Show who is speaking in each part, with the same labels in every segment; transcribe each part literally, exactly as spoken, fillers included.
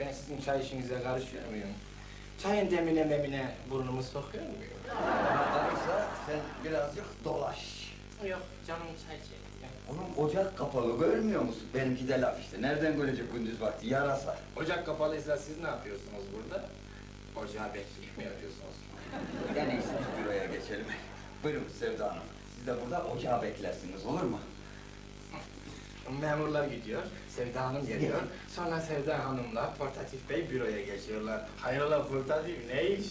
Speaker 1: Ben sizin çay işinize karışıyor muyum? Çayın demine memine burnumu sokuyor muyum?
Speaker 2: Karıysa sen birazcık dolaş.
Speaker 1: Yok, canım çay çekti.
Speaker 2: Oğlum ocak kapalı görmüyor musun? Benimki de laf işte. Nereden görecek gündüz vakti? Yarasa.
Speaker 1: Ocak kapalıysa siz ne yapıyorsunuz burada? Ocağı bekleyip mi yapıyorsunuz?
Speaker 2: En iyisi biz büroya geçelim. Buyurun Sevda Hanım. Siz de burada ocağı beklersiniz, olur mu?
Speaker 1: Memurlar gidiyor, Sevda Hanım geliyor. Sonra Sevda Hanım'la Portatif Bey büroya geçiyorlar. Hayrola Portatif, ne iş?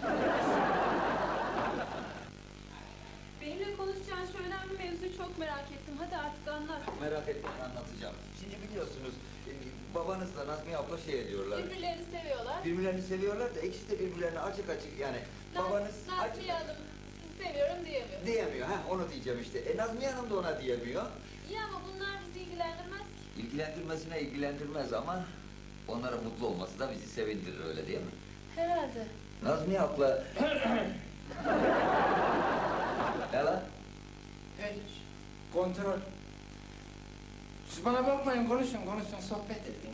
Speaker 3: Benimle konuşacağın şu önemli mevzuyu çok merak ettim. Hadi artık anlat.
Speaker 2: Merak etmeyin, anlatacağım. Şimdi biliyorsunuz, e, babanızla Nazmiye abla şey ediyorlar.
Speaker 3: Birbirlerini seviyorlar.
Speaker 2: Birbirlerini seviyorlar da ikisi de birbirlerine açık açık yani.
Speaker 3: Naz-
Speaker 2: Babanız
Speaker 3: Nazmiye Hanım sizi seviyorum diyemiyor.
Speaker 2: diyemiyor, ha onu diyeceğim işte. E Nazmiye Hanım da ona diyemiyor.
Speaker 3: İyi ama bunlar bizi ilgilendirmez ki.
Speaker 2: İlgilendirmesine ilgilendirmez ama onların mutlu olması da bizi sevindirir, öyle değil mi?
Speaker 3: Herhalde.
Speaker 2: Nazmiye abla... Ne lan?
Speaker 1: Hiç. Kontrol. Siz bana bakmayın, konuşun, konuşun, sohbet edin.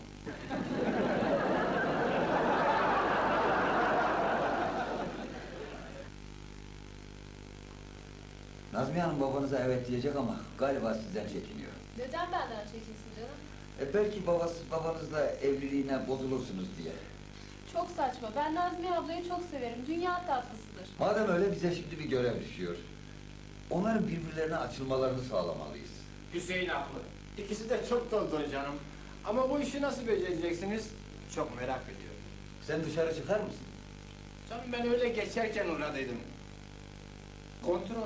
Speaker 2: Nazmiye Hanım babanıza evet diyecek ama galiba sizden çekiniyor.
Speaker 3: Neden benden çekinsin canım?
Speaker 2: E belki babası, babanızla evliliğine bozulursunuz diye.
Speaker 3: Çok saçma. Ben Nazmiye ablayı çok severim. Dünya tatlısıdır.
Speaker 2: Madem öyle bize şimdi bir görev düşüyor. Onların birbirlerine açılmalarını sağlamalıyız.
Speaker 1: Hüseyin haklı. İkisi de çok tonton canım. Ama bu işi nasıl becereceksiniz? Çok merak ediyorum.
Speaker 2: Sen dışarı çıkar mısın?
Speaker 1: Canım ben öyle geçerken uğradıydım. Kontrol.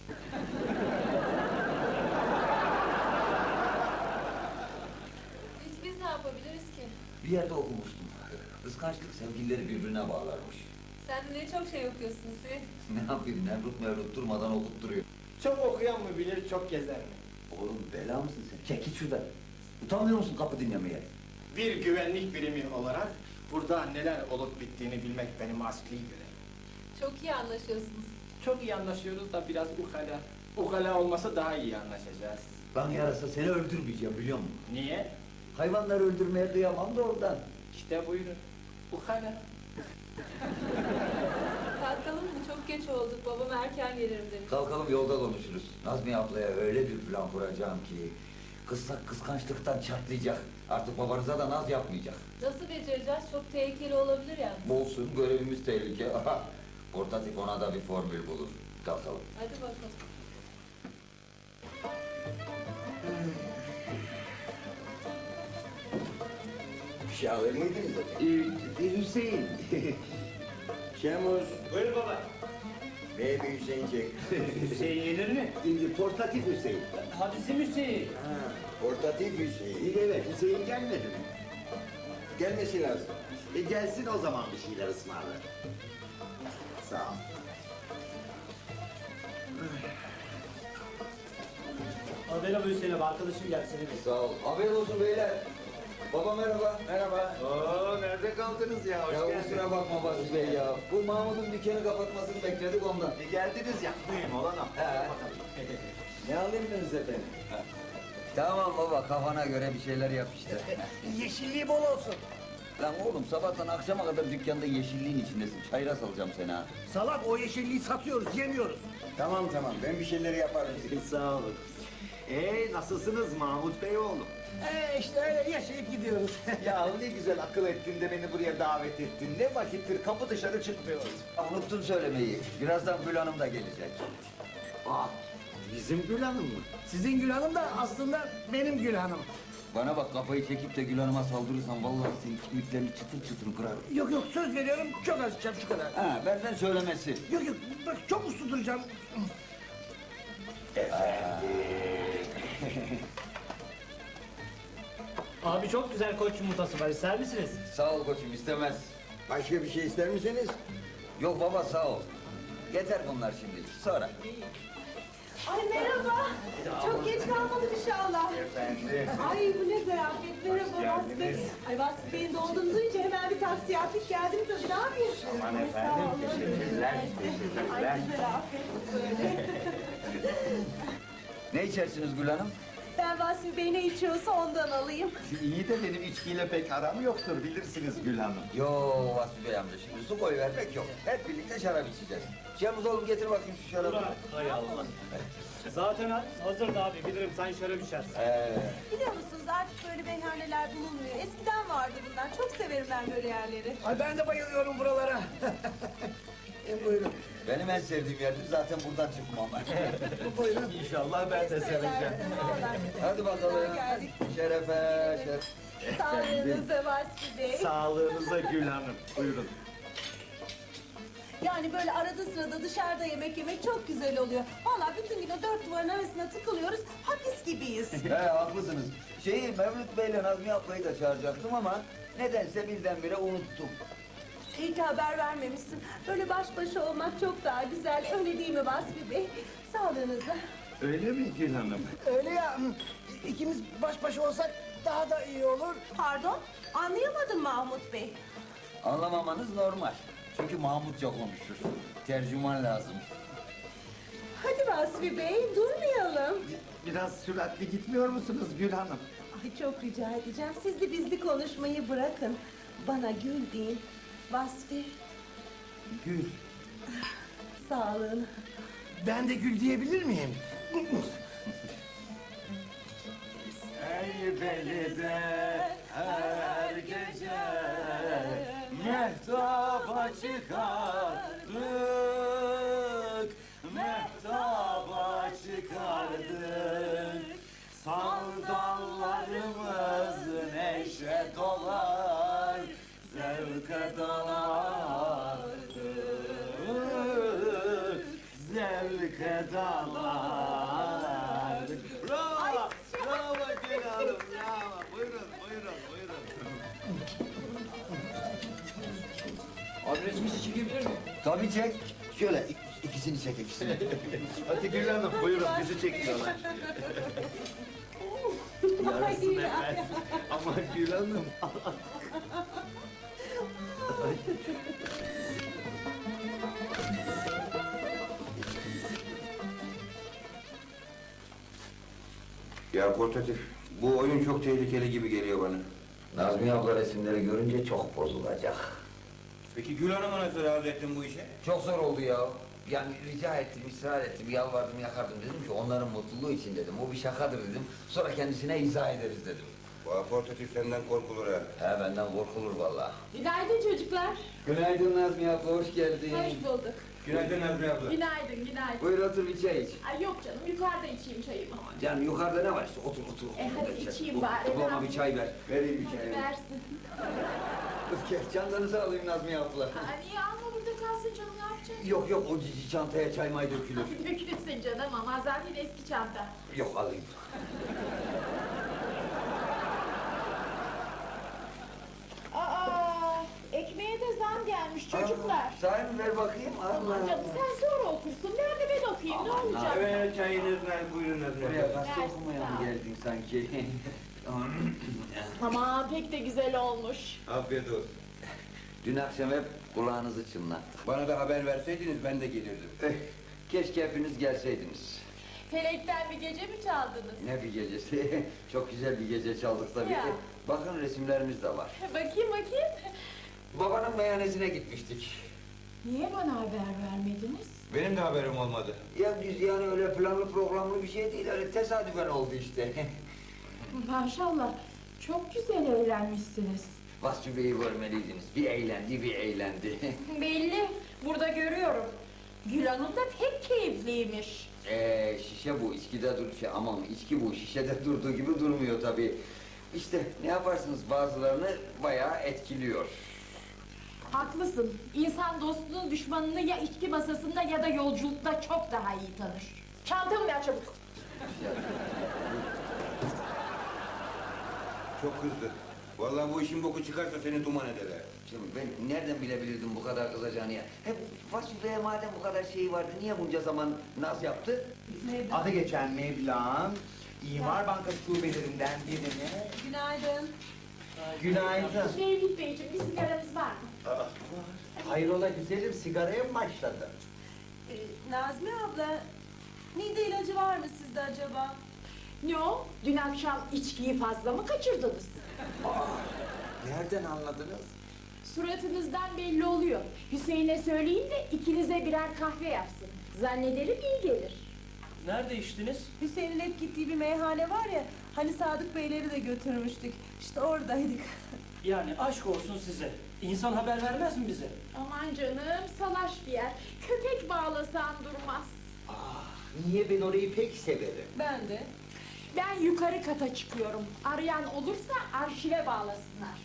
Speaker 3: Biz, biz ne yapabiliriz ki?
Speaker 2: Bir yerde okumuştum. Kıskançlık sevgilileri birbirine bağlarmış.
Speaker 3: Sen de ne çok şey okuyorsun Hüseyin.
Speaker 2: Ne yapayım, Nemrut Mevlut durmadan okutturuyor.
Speaker 1: Çok okuyan mı bilir, çok gezen mi?
Speaker 2: Oğlum bela mısın sen? Çek git şuradan. Utanmıyor musun kapı dinlemeye?
Speaker 1: Bir güvenlik birimi olarak burada neler olup bittiğini bilmek benim asli görevim.
Speaker 3: Çok iyi anlaşıyorsunuz.
Speaker 1: Çok iyi anlaşıyoruz da biraz ukala. Ukala olmasa daha iyi anlaşacağız.
Speaker 2: Ben yarasa seni öldürmeyeceğim biliyor musun?
Speaker 1: Niye?
Speaker 2: Hayvanları öldürmeye kıyamam da oradan.
Speaker 1: İşte buyurun. Ukala.
Speaker 3: Kalkalım mı? Çok geç olduk. Babam erken gelirim demiş.
Speaker 2: Kalkalım yolda konuşuruz. Nazmiye ablaya öyle bir plan kuracağım ki... ...kıssak kıskançlıktan çatlayacak. Artık babanıza da naz yapmayacak.
Speaker 3: Nasıl becereceğiz? Çok tehlikeli olabilir yani.
Speaker 2: Olsun, görevimiz tehlike. Portatif ona da bir formül bulur. Kalkalım.
Speaker 3: Hadi bakalım.
Speaker 4: Bir şey alır mıydınız efendim?
Speaker 5: Ee, Hüseyin.
Speaker 4: Şemuz,
Speaker 5: Buyur baba.
Speaker 4: Baby Hüseyin çek.
Speaker 5: Hüseyin yenir mi?
Speaker 4: Şimdi portatif Hüseyin.
Speaker 5: Hadisi Hüseyin.
Speaker 4: Ha, portatif Hüseyin.
Speaker 5: Evet, Hüseyin gelmedi mi?
Speaker 4: Gelmesi lazım.
Speaker 5: E gelsin o zaman bir şeyler ısmarlar. Sağ ol. Haber abi Hüseyin abi, arkadaşım geldi seni bekliyor.
Speaker 2: Sağ ol. Haber olsun beyler. Baba merhaba.
Speaker 4: Merhaba.
Speaker 5: Oo, nerede kaldınız ya? Hoş
Speaker 2: Ya
Speaker 5: geldiniz.
Speaker 2: kusura bakma Basri Bey ya. Bu Mahmut'un dükkanı kapatmasını bekledik ondan.
Speaker 5: E, geldiniz ya, duyayım olan o.
Speaker 2: He.
Speaker 4: Ne alırdınız efendim?
Speaker 2: Tamam baba, kafana göre bir şeyler yap işte.
Speaker 5: Yeşilliği bol olsun.
Speaker 2: Lan oğlum sabahtan akşama kadar dükkanda yeşilliğin içindesin. Çayıra salacağım seni ha.
Speaker 5: Salak, o yeşilliği satıyoruz, yemiyoruz.
Speaker 4: Tamam tamam, ben bir şeyler yaparım.
Speaker 5: Sağ olun. Ee, nasılsınız Mahmut Bey oğlum?
Speaker 6: Ee işte öyle yaşayıp gidiyoruz.
Speaker 5: Ya ne güzel akıl ettin de beni buraya davet ettin. Ne vakittir kapı dışarı çıkmıyoruz.
Speaker 2: Unuttun söylemeyi. Birazdan Gül Hanım da gelecek.
Speaker 5: Aa, bizim Gül Hanım mı?
Speaker 6: Sizin Gül Hanım da aslında benim Gül Hanım.
Speaker 2: Bana bak, kafayı çekip de Gül Hanım'a saldırırsan vallahi senin kemiklerini çıtır çıtır kırarım.
Speaker 6: Yok yok söz veriyorum çok az içeceğim şu kadar.
Speaker 2: Ha, benden söylemesi.
Speaker 6: Yok yok bak çok uslu duracağım.
Speaker 7: Abi çok güzel koç yumurtası var. İster misiniz?
Speaker 2: Sağ ol koçum, istemez.
Speaker 4: Başka bir şey ister misiniz?
Speaker 2: Yok baba, sağ ol. Yeter bunlar şimdi. Sonra.
Speaker 8: Ay merhaba. Çok geç kalmadım inşallah.
Speaker 5: Efendim.
Speaker 8: Ay bu ne zarafet. Merhaba Vasfi Bey. Ay Vasfi Bey'in doğduğunu duyunca hemen bir taksi yaptık geldim tabii. Ne yapıyorsun?
Speaker 5: Aman
Speaker 8: Ay,
Speaker 5: efendim,
Speaker 8: sağ olun.
Speaker 5: teşekkürler,
Speaker 8: Ay
Speaker 5: teşekkürler.
Speaker 8: bir zarafet böyle.
Speaker 2: Ne içersiniz Gül Hanım?
Speaker 8: Ben Ben Vasfi Bey ne içiyorsa ondan alayım.
Speaker 5: İyi de benim içkiyle pek aram yoktur bilirsiniz Gül Hanım.
Speaker 2: Yo Vasfi Bey amca şimdi su koy vermek yok. Hep birlikte şarap içeceğiz. Cemuz oğlum getir bakayım şu şarabı.
Speaker 7: Bırak, hay Allah. Zaten hazırdı abi, bilirim sen şarap içersin.
Speaker 2: Ee,
Speaker 8: Biliyor musunuz artık böyle meyhaneler bulunmuyor. Eskiden vardı bunlar. Çok severim ben böyle yerleri.
Speaker 6: Ay ben de bayılıyorum buralara. e, buyurun.
Speaker 2: benim en sevdiğim yerdir zaten buradan çıkmam ben.
Speaker 6: Buyurun.
Speaker 5: İnşallah ben de seveceğim.
Speaker 2: Hadi bakalım.
Speaker 8: Geldik.
Speaker 2: Şerefe, şeref.
Speaker 8: Sağlığınıza Vasfi Bey.
Speaker 5: Sağlığınıza Gül Hanım. Buyurun.
Speaker 8: Yani böyle arada sırada dışarıda yemek yemek çok güzel oluyor. Vallahi bütün gün o dört duvarın arasında tıkılıyoruz. Hapis gibiyiz.
Speaker 2: He haklısınız. Şeyi Mevlüt Bey'le Nazmiye ablayı da çağıracaktım ama nedense birdenbire unuttum.
Speaker 8: İyi ki haber vermemişsin. Böyle baş başa olmak çok daha güzel. Öyle değil mi Vasfi Bey? Sağlığınıza.
Speaker 5: Öyle mi Gül Hanım?
Speaker 6: Öyle ya. İkimiz baş başa olsak daha da iyi olur.
Speaker 8: Pardon? Anlayamadım Mahmut Bey.
Speaker 2: Anlamamanız normal. Çünkü Mahmutça konuşur. Tercüman lazım.
Speaker 8: Hadi Vasfi Bey durmayalım.
Speaker 5: Biraz süratli gitmiyor musunuz Gül Hanım?
Speaker 8: Ay çok rica edeceğim. Siz de bizli konuşmayı bırakın. Bana Gül deyin. Vasfi
Speaker 2: Gül.
Speaker 8: sağlığına.
Speaker 6: Ben de gül diyebilir miyim?
Speaker 2: Ey belide her gece mehtaba çıkardık, mehtaba çıkardık. Sandallarımız neşe dolar, zevke dalardık, zevke dalardık. Bravo! Bravo Gül Hanım, bravo. Buyurun, buyurun, buyurun.
Speaker 1: Abi resmisi çekebilir miyim?
Speaker 2: Tabii çek. Şöyle ik- ikisini çek, ikisini.
Speaker 5: Hadi Gül Hanım buyurun bizi çekiyorlar.
Speaker 8: Ay ya.
Speaker 5: Ama Gül Hanım.
Speaker 4: Ya portatif, bu oyun çok tehlikeli gibi geliyor bana.
Speaker 2: Nazmiye abla resimleri görünce çok bozulacak.
Speaker 4: Peki Gül Hanım'a nasıl razı ettin bu işe?
Speaker 2: Çok zor oldu ya. Yani rica ettim, ısrar ettim, yalvardım, yakardım. Dedim ki onların mutluluğu için dedim. O bir şakadır dedim. Sonra kendisine izah ederiz dedim.
Speaker 4: Bu portatif senden korkulur ha.
Speaker 2: He benden korkulur vallahi.
Speaker 3: Günaydın çocuklar.
Speaker 2: Günaydın Nazmiye abla, hoş geldin.
Speaker 3: Hoş bulduk.
Speaker 4: Günaydın Nazmiye abla.
Speaker 3: Günaydın, günaydın.
Speaker 2: Buyur otur bir çay iç.
Speaker 3: Ay yok canım, yukarıda içeyim çayımı.
Speaker 2: Canım yukarıda ne var işte otur otur.
Speaker 3: E,
Speaker 2: otur,
Speaker 3: hadi
Speaker 2: bir çay.
Speaker 3: içeyim
Speaker 2: Otur,
Speaker 3: bari,
Speaker 2: otur,
Speaker 3: ne
Speaker 2: Bana bir çay ver. Vereyim bir çay.
Speaker 3: Versin.
Speaker 2: Çantanızı alayım Nazmiye abla.
Speaker 3: Aa, niye alma burada kalsın canım, ne yapacaksın?
Speaker 2: Yok yok o cici çantaya çay may dökülür.
Speaker 3: Dökülürsün canım ama zaten eski çanta.
Speaker 2: Yok alayım.
Speaker 3: Aa, ekmeğe de zam gelmiş çocuklar.
Speaker 2: Sahi mi ver bakayım.
Speaker 3: Aman
Speaker 2: Allah.
Speaker 3: canım sen sonra okursun. Nerede ben okuyayım, ne olacak?
Speaker 4: Evet çayınız ver, buyurun Nazmiye
Speaker 2: Buraya
Speaker 4: abla.
Speaker 2: gazete
Speaker 3: Versin,
Speaker 2: okumaya
Speaker 3: sağ
Speaker 2: mı
Speaker 3: ol.
Speaker 2: geldin sanki?
Speaker 3: Aman pek de güzel olmuş.
Speaker 4: Afiyet olsun.
Speaker 2: Dün akşam hep kulağınızı çınlattık.
Speaker 4: Bana da haber verseydiniz ben de gelirdim.
Speaker 2: Eh, keşke hepiniz gelseydiniz.
Speaker 3: Felekten bir gece mi çaldınız?
Speaker 2: Ne bir gecesi. Çok güzel bir gece çaldık tabii.
Speaker 3: Ya.
Speaker 2: Bakın resimlerimiz de var.
Speaker 3: Bakayım bakayım.
Speaker 2: Babanın meyhanesine gitmiştik.
Speaker 3: Niye bana haber vermediniz?
Speaker 4: Benim de haberim olmadı.
Speaker 2: Ya biz yani öyle planlı programlı bir şey değil. Öyle tesadüfen oldu işte.
Speaker 3: Maşallah, çok güzel eğlenmişsiniz.
Speaker 2: Vasfi Bey'i görmeliydiniz. Bir eğlendi, bir eğlendi.
Speaker 3: Belli, burada görüyorum. Gül Hanım da pek keyifliymiş.
Speaker 2: Ee, şişe bu, içkide dur, şey, aman içki bu, şişede durduğu gibi durmuyor tabii. İşte ne yaparsınız bazılarını bayağı etkiliyor.
Speaker 3: Haklısın. İnsan dostluğun düşmanını ya içki masasında ya da yolculukta çok daha iyi tanır. Çantamı ver çabuk.
Speaker 4: Çok kızdı. Vallahi bu işin boku çıkarsa seni duman ederler.
Speaker 2: Şimdi ben nereden bilebilirdim bu kadar kızacağını ya? Hep Vasfi Bey'e madem bu kadar şey vardı, niye bunca zaman naz yaptı?
Speaker 5: Adı geçen meblağın İmar Bankası şubelerinden birine
Speaker 8: Günaydın.
Speaker 5: günaydın.
Speaker 3: Mevlüt Beyciğim, bir sigaranız var mı?
Speaker 5: Hayrola güzelim sigaraya mı başladın?
Speaker 8: Ee, Nazmiye abla, mide ilacı var mı sizde acaba?
Speaker 3: Ne o? Dün akşam içkiyi fazla mı kaçırdınız?
Speaker 5: Nereden anladınız?
Speaker 3: Suratınızdan belli oluyor. Hüseyin'e söyleyin de ikinize birer kahve yapsın. Zannederim iyi gelir.
Speaker 7: Nerede içtiniz?
Speaker 8: Hüseyin'in hep gittiği bir meyhane var ya, hani Sadık Beyleri de götürmüştük. İşte oradaydık.
Speaker 7: Yani aşk olsun size. İnsan haber vermez mi bize?
Speaker 3: Aman canım, salaş bir yer. Köpek bağlasan durmaz.
Speaker 5: Niye ben orayı pek severim.
Speaker 8: Ben de.
Speaker 3: Ben yukarı kata çıkıyorum. Arayan olursa arşive bağlasınlar.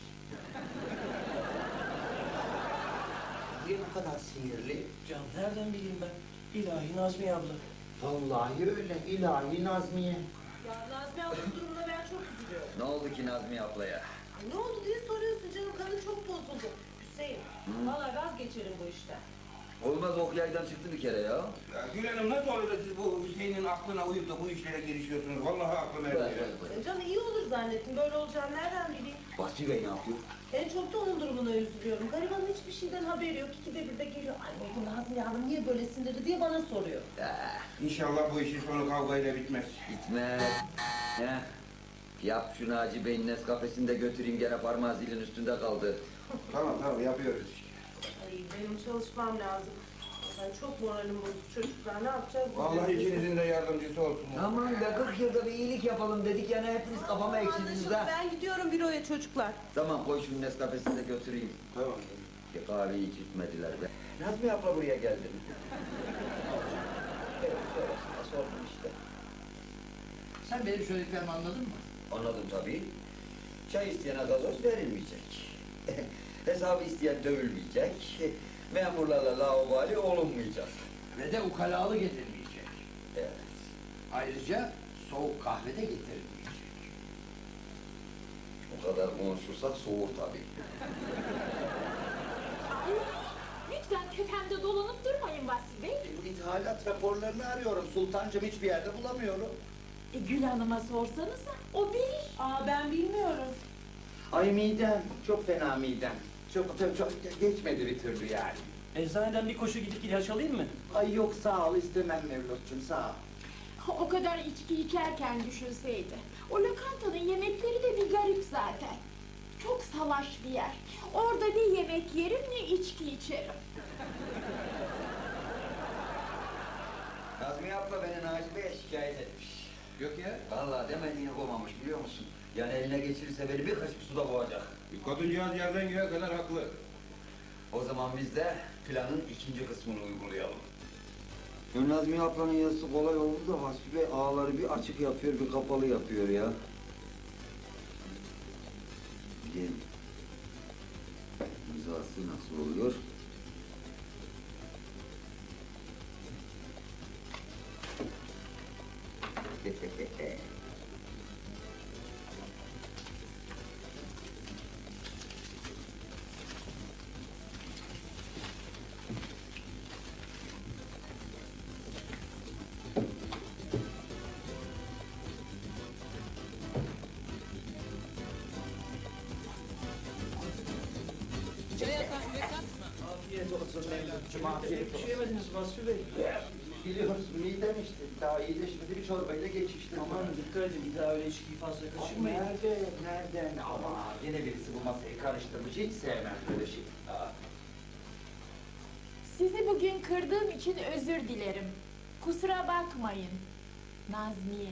Speaker 5: Niye bu kadar sinirli?
Speaker 7: Can nereden bileyim ben? İlahi Nazmiye abla.
Speaker 5: Vallahi öyle ilahi Nazmiye.
Speaker 8: Ya Nazmi ablanın durumuna ben çok üzülüyorum.
Speaker 2: Ne oldu ki Nazmiye ablaya?
Speaker 8: Ay, ne oldu diye soruyorsun canım, kadın çok bozuldu. Hüseyin, vallahi vazgeçerim bu işten.
Speaker 2: Olmaz, ok yaydan çıktı bir kere ya.
Speaker 4: Ya Gül Hanım nasıl olur da siz bu Hüseyin'in aklına uyup da bu işlere girişiyorsunuz? Vallahi aklım ermiyor.
Speaker 8: E Canım iyi olur zannettim, böyle olacağını nereden bileyim?
Speaker 2: Basri Bey ne yapıyor?
Speaker 8: En çok da onun durumuna üzülüyorum. Garibanın hiçbir şeyden haberi yok. İkide bir de geliyor. Ay bu Nazmiye Hanım niye böyle sinirli diye bana soruyor.
Speaker 4: İnşallah bu işin sonu kavgayla bitmez.
Speaker 2: Gitmez. Heh. Yap şu Naci Bey'in Nescafe'sini de götüreyim, gene parmağı zilin üstünde kaldı.
Speaker 4: Tamam tamam yapıyoruz işte.
Speaker 8: Ay benim çalışmam lazım. Ben çok moralim bozuk çocuklar. Ne yapacağız?
Speaker 4: Vallahi ikinizin de yardımcısı olsun.
Speaker 2: Aman be, kırk yılda bir iyilik yapalım dedik, yani hepiniz kafama ekşidiniz
Speaker 8: Anlaşıldı.
Speaker 2: ha.
Speaker 8: Ben gidiyorum büroya çocuklar.
Speaker 2: Tamam, koy şu Nescafe'sini de götüreyim.
Speaker 4: Tamam.
Speaker 2: Bir kahveyi içirtmediler be. Nazmiye abla buraya geldi. Evet, sonrasında sordum işte.
Speaker 1: Sen benim söylediklerimi anladın mı?
Speaker 2: Anladım tabii. Çay isteyene gazoz verilmeyecek. Hesabı isteyen dövülmeyecek. Memurlarla laubali olunmayacak.
Speaker 1: Ve de ukalalı getirilmeyecek.
Speaker 2: Evet.
Speaker 1: Ayrıca soğuk kahve de getirilmeyecek.
Speaker 2: O kadar konuşursak soğur tabii.
Speaker 3: Ay, lütfen tepemde dolanıp durmayın Vasfi Bey.
Speaker 5: Bu ithalat raporlarını arıyorum. Sultancım hiçbir yerde bulamıyorum.
Speaker 3: E, Gül Hanım'a sorsanıza, o bilir.
Speaker 8: Aa ben bilmiyorum.
Speaker 5: Ay midem. Çok fena midem. Çok, çok, çok geçmedi bir türlü yani.
Speaker 7: Eczaneden bir koşu gidip ilaç alayım mı?
Speaker 5: Ay yok sağ ol istemem Mevlut'cum sağ ol.
Speaker 3: O kadar içki içerken düşünseydi. O lokantanın yemekleri de bir garip zaten. Çok salaş bir yer. Orada ne yemek yerim ne içki içerim.
Speaker 2: Nazmiye abla beni Naci Bey'e şikayet etmiş.
Speaker 1: Yok ya.
Speaker 2: Vallahi demediğini koymamış, biliyor musun? Yani eline geçirirse beni bir kaşık suda boğacak.
Speaker 4: Kadıncağız yerden göğe kadar haklı.
Speaker 2: O zaman biz de planın ikinci kısmını uygulayalım. Nazmiye ablanın yazısı kolay oldu da Vasfi Bey ağları bir açık yapıyor, bir kapalı yapıyor ya. Gel. İmzası nasıl oluyor?
Speaker 5: Afiyet olsun Mevlut'cum afiyet
Speaker 7: Bir
Speaker 5: olsun.
Speaker 7: şey yemediniz Vasfi Bey.
Speaker 5: Biliyorsun midem işte. Daha iyileşmedi bir çorbayla geçiştim.
Speaker 7: Aman dikkat edin, bir daha öyle içkiyi fazla
Speaker 5: Ay,
Speaker 7: kaçırmayın.
Speaker 5: nerede? Nereden? Ama yine birisi bu masayı karıştırmış. Hiç sevmem böyle şey. Aa.
Speaker 3: Sizi bugün kırdığım için özür dilerim. Kusura bakmayın. Nazmiye.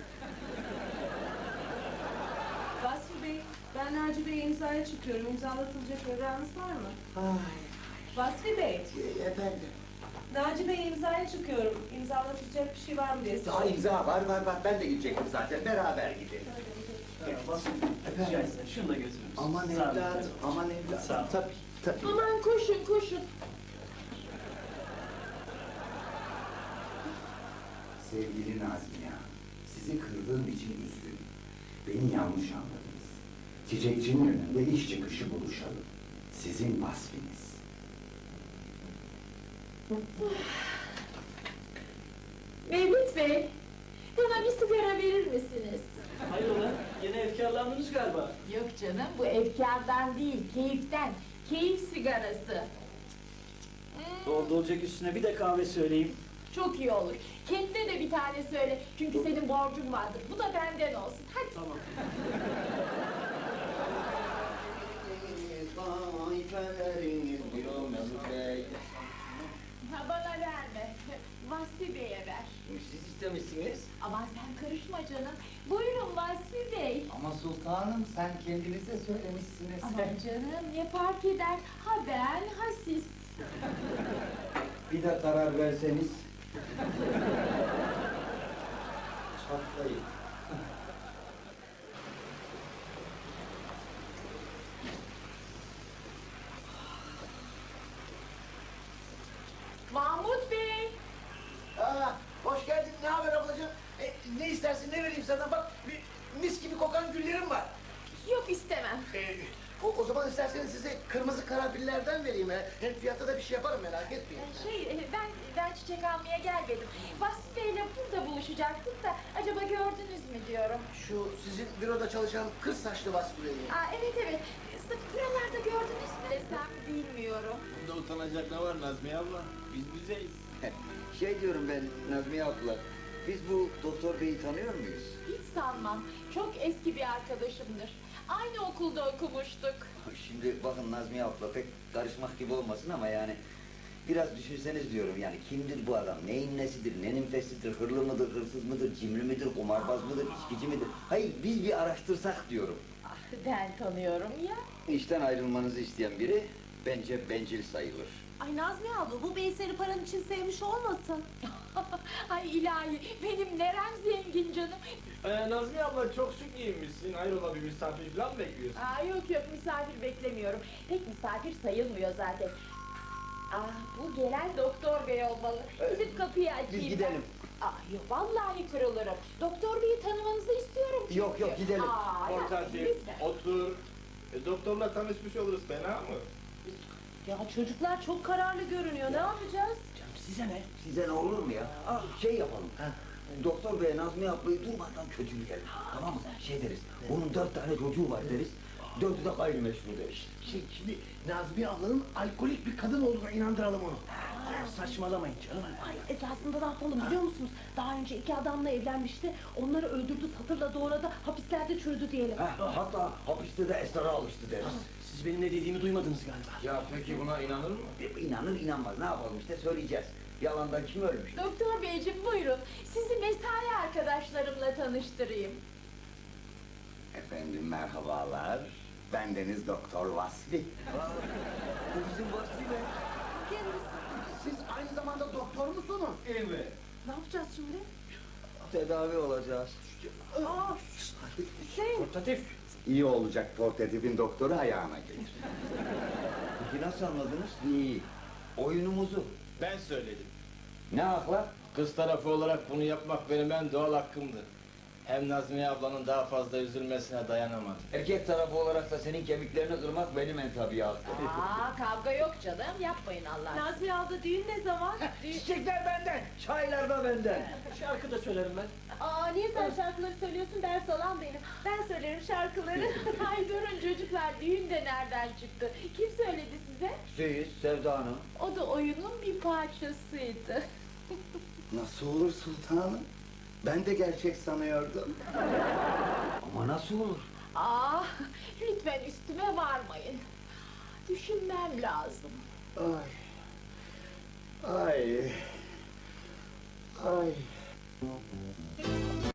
Speaker 8: Vasfi Bey, ben Naci Bey'e imzaya çıkıyorum. İmzalatılacak evranınız var mı?
Speaker 5: Ay,
Speaker 8: Vasfi Bey,
Speaker 5: e, efendim.
Speaker 8: Naci Bey'e imzaya çıkıyorum. İmzalatılacak bir şey var mı diye
Speaker 5: Daha
Speaker 8: soruyorum.
Speaker 5: imza var var var. Ben de gidecektim zaten. Beraber gidelim.
Speaker 7: Rica etsem şunu da götürür müsünüz?
Speaker 5: Aman
Speaker 7: Sağ olun.
Speaker 5: evladım, aman evladım.
Speaker 7: Sağ ol.
Speaker 5: Tabii, tabii.
Speaker 3: Aman koşun koşun.
Speaker 9: Sevgili Nazmiye Hanım, sizi kırdığım için üzgünüm. Beni yanlış anladınız. Çiçekçinin önünde iş çıkışı buluşalım. Sizin vasfiniz.
Speaker 3: Mevlüt Bey, bana bir sigara verir misiniz?
Speaker 7: Hayrola, yine efkarlandınız galiba.
Speaker 3: Yok canım, bu efkardan değil, keyiften. Keyif sigarası. Hmm,
Speaker 7: Dolduracak üstüne bir de kahve söyleyeyim.
Speaker 3: Çok iyi olur. Kendine de bir tane söyle. Çünkü senin borcun vardır. Bu da benden olsun. Hadi.
Speaker 7: Tamam.
Speaker 3: Ha, bana verme. Vasfi Bey'e ver.
Speaker 2: Siz istemişsiniz.
Speaker 3: Aman sen karışma canım. Buyurun Vasfi Bey.
Speaker 6: Ama sultanım sen kendinize söylemişsiniz.
Speaker 3: Aman canım ne fark eder? Ha ben ha siz.
Speaker 2: Bir de karar verseniz. Çatlayın.
Speaker 3: Mahmut Bey.
Speaker 6: Aa, hoş geldin. Ne haber ablacığım? E, ne istersin, ne vereyim sana? Bak, bir mis gibi kokan güllerim var.
Speaker 3: Yok istemem.
Speaker 6: E, o, o zaman isterseniz size kırmızı karanfillerden vereyim. He. Hem fiyatta da bir şey yaparım, merak etmeyin.
Speaker 3: Şey e, ben ben çiçek almaya gelmedim. Vasfi Bey'le burada buluşacaktık da acaba gördünüz mü diyorum.
Speaker 6: Şu sizin büroda çalışan kız saçlı Vasfi Bey'i.
Speaker 3: Aa evet evet. Sırf buralarda gördünüz mü desem bilmiyorum.
Speaker 4: Bunda utanacak ne var Nazmiye abla? Biz bizeyiz.
Speaker 2: Şey diyorum ben Nazmiye abla. Biz bu doktor beyi tanıyor muyuz?
Speaker 3: Hiç sanmam. Çok eski bir arkadaşımdır. Aynı okulda okumuştuk.
Speaker 2: Şimdi bakın Nazmiye abla pek karışmak gibi olmasın ama yani biraz düşünseniz diyorum yani kimdir bu adam, neyin nesidir, nenin fesidir, hırlı mıdır, hırsız mıdır, cimri midir, kumarbaz mıdır, içkici midir? Hayır biz bir araştırsak diyorum.
Speaker 3: Ah, ben tanıyorum ya.
Speaker 2: İşten ayrılmanızı isteyen biri bence bencil sayılır.
Speaker 8: Ay Nazmiye abla bu bey seni paran için sevmiş olmasın?
Speaker 3: Ay ilahi benim nerem zengin canım.
Speaker 1: Ee, Nazmiye abla çok şık giyinmişsin. Hayrola bir misafir falan mı bekliyorsun?
Speaker 3: Aa yok yok misafir beklemiyorum. Pek misafir sayılmıyor zaten. Ah bu gelen doktor bey olmalı. Gidip kapıyı açayım.
Speaker 2: Biz
Speaker 3: ben.
Speaker 2: gidelim.
Speaker 3: Ah yok vallahi kırılırım. Doktor beyi tanımanızı istiyorum çünkü.
Speaker 2: Yok, yok, gidelim.
Speaker 3: Aa, ya,
Speaker 1: Portatif,
Speaker 3: lütfen.
Speaker 1: otur. E, doktorla tanışmış oluruz, fena mı?
Speaker 8: Ya çocuklar çok kararlı görünüyor. Ne yapacağız?
Speaker 6: Size ne?
Speaker 2: Size ne olur mu ya? Şey yapalım. Doktor bey Nazmiye ablayı durmadan kötüleyelim. Tamam mı? Şey deriz. Onun dört tane çocuğu var deriz. Dördü de gayrimeşru deriz.
Speaker 6: Şey, şimdi Nazmiye ablanın alkolik bir kadın olduğuna inandıralım onu. Saçmalamayın canım.
Speaker 8: Ay esasında ne yapalım biliyor musunuz? Daha önce iki adamla evlenmişti. Onları öldürdü, satırla doğradı, hapislerde çürüdü diyelim.
Speaker 2: Ha, hatta hapiste de esrara alıştı deriz.
Speaker 6: Siz benim ne dediğimi duymadınız galiba.
Speaker 1: Ya peki buna inanır mı?
Speaker 2: İnanır inanmaz ne yapalım işte söyleyeceğiz. Yalandan kim ölmüş?
Speaker 3: Doktor beyciğim buyurun. Sizi mesai arkadaşlarımla tanıştırayım.
Speaker 9: Efendim merhabalar. Bendeniz Doktor Vasfi.
Speaker 2: Bu bizim Vasfi Bey.
Speaker 6: Siz aynı zamanda doktor musunuz?
Speaker 2: Evet.
Speaker 8: Ne yapacağız şimdi?
Speaker 2: Tedavi olacağız.
Speaker 8: Aa, Hüseyin.
Speaker 7: Portatif.
Speaker 9: İyi olacak portatifin doktoru ayağına gelir.
Speaker 2: Peki nasıl anladınız? İyi. Oyunumuzu.
Speaker 1: Ben söyledim.
Speaker 2: Ne akla?
Speaker 1: Kız tarafı olarak bunu yapmak benim en doğal hakkımdı. Hem Nazmiye ablanın daha fazla üzülmesine dayanamadım.
Speaker 2: Erkek tarafı olarak da senin kemiklerini kırmak benim en tabii hakkım.
Speaker 3: Aa kavga yok canım. Yapmayın Allah aşkına.
Speaker 8: Nazmiye abla düğün ne zaman?
Speaker 6: Çiçekler benden.
Speaker 2: Çaylar da benden.
Speaker 6: Şarkı da söylerim ben.
Speaker 8: Aa niye sen şarkıları söylüyorsun? Ders alan benim. Ben söylerim şarkıları.
Speaker 3: Ay durun çocuklar düğün de nereden çıktı? Kim söyledi size?
Speaker 2: Siz, Sevda Hanım.
Speaker 3: O da oyunun bir parçasıydı.
Speaker 9: Nasıl olur sultanım? Ben de gerçek sanıyordum.
Speaker 2: Ama nasıl olur?
Speaker 3: Aa lütfen üstüme varmayın. Düşünmem lazım.
Speaker 9: Ay. Ay. Ay.